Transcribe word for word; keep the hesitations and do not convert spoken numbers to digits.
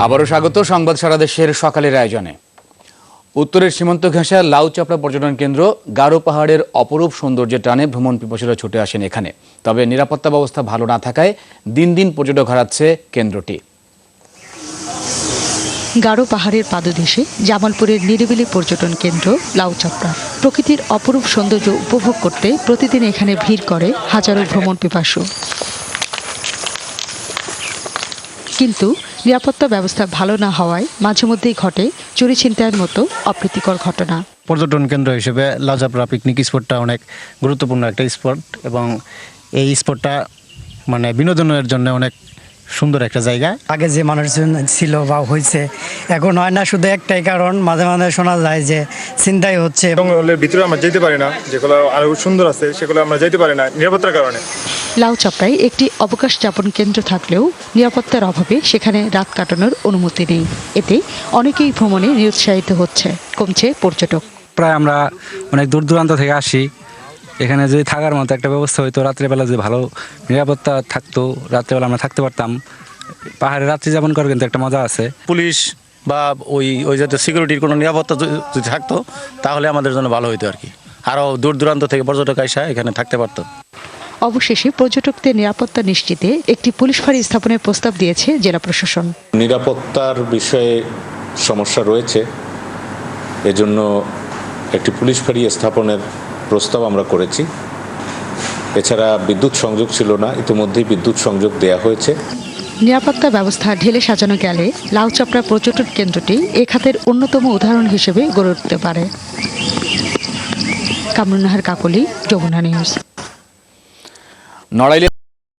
আবারও স্বাগত সংবাদ সারা দেশের সকালের আয়োজনে। উত্তরের সীমান্ত ঘেঁষা লাউচাপড়া পর্যটন কেন্দ্র গারো পাহাড়ের অপরূপ সৌন্দর্যের টানে ভ্রমণ পিপাসুরা ছুটে আসেন এখানে। তবে নিরাপত্তা ব্যবস্থা ভালো না থাকায় দিন দিন পর্যটক হারাচ্ছে কেন্দ্রটি। গারো পাহাড়ের পাদদেশে জামালপুরের নিরিবিলি পর্যটন কেন্দ্র লাউচাপড়া। প্রকৃতির অপরূপ সৌন্দর্য উপভোগ করতে প্রতিদিন এখানে ভিড় করে হাজারো ভ্রমণ পিপাসু। কিন্তু নিরাপত্তা ব্যবস্থা ভালো না হওয়ায় মাঝে মধ্যেই ঘটে চুরি ছিনতাইয়ের মতো অপ্রীতিকর ঘটনা। পর্যটন কেন্দ্র হিসেবে লাউচাপড়া পিকনিক স্পটটা অনেক গুরুত্বপূর্ণ একটা স্পট এবং এই স্পটটা মানে বিনোদনের জন্য অনেক সুন্দর একটা জায়গা। আগে যে মানুষজন ছিল বা হয়েছে এখন হয় না, শুধু একটাই কারণ মাঝে মাঝে শোনা যায় যে ছিনতাই হচ্ছে। জঙ্গলের ভিতরে আমরা যেতে পারি না, যেগুলো আরো সুন্দর আছে সেগুলো আমরা যেতে পারি না নিরাপত্তার কারণে। লাউচাপড়ায় একটি অবকাশ যাপন কেন্দ্র থাকলেও নিরাপত্তার অভাবে সেখানে রাত কাটানোর অনুমতি নেই। এতে অনেকেই ভ্রমণে নিরুৎসাহিত হচ্ছে, কমছে পর্যটক। প্রায় আমরা অনেক দূর দূরান্ত থেকে আসি, এখানে যদি থাকার মতো একটা ব্যবস্থা হইতো, রাত্রেবেলা যদি ভালো নিরাপত্তা থাকতো, রাত্রেবেলা আমরা থাকতে পারতাম। পাহাড়ে রাত্রি যাপন করার কিন্তু একটা মজা আছে। পুলিশ বা ওই ওই জাতীয় সিকিউরিটির কোনো নিরাপত্তা যদি থাকতো তাহলে আমাদের জন্য ভালো হইতো আর কি। আরও দূর দূরান্ত থেকে পর্যটক আইসা এখানে থাকতে পারতো। অবশেষে পর্যটকদের নিরাপত্তা নিশ্চিতে একটি পুলিশ ফাঁড়ি স্থাপনের প্রস্তাব দিয়েছে জেলা প্রশাসন। নিরাপত্তার বিষয়ে সমস্যা রয়েছে, এজন্য একটি পুলিশ ফাঁড়ি স্থাপনের প্রস্তাব আমরা করেছি। এছাড়া বিদ্যুৎ সংযোগ ছিল না, ইতিমধ্যেই বিদ্যুৎ সংযোগ দেয়া হয়েছে। নিরাপত্তা ব্যবস্থা ঢেলে সাজানো গেলে লাউচাপড়া পর্যটন কেন্দ্রটি এ খাতের অন্যতম উদাহরণ হিসেবে গড়ে উঠতে পারে। কামরুন নাহার কাকলি, যমুনা নিউজ। নড়াইলে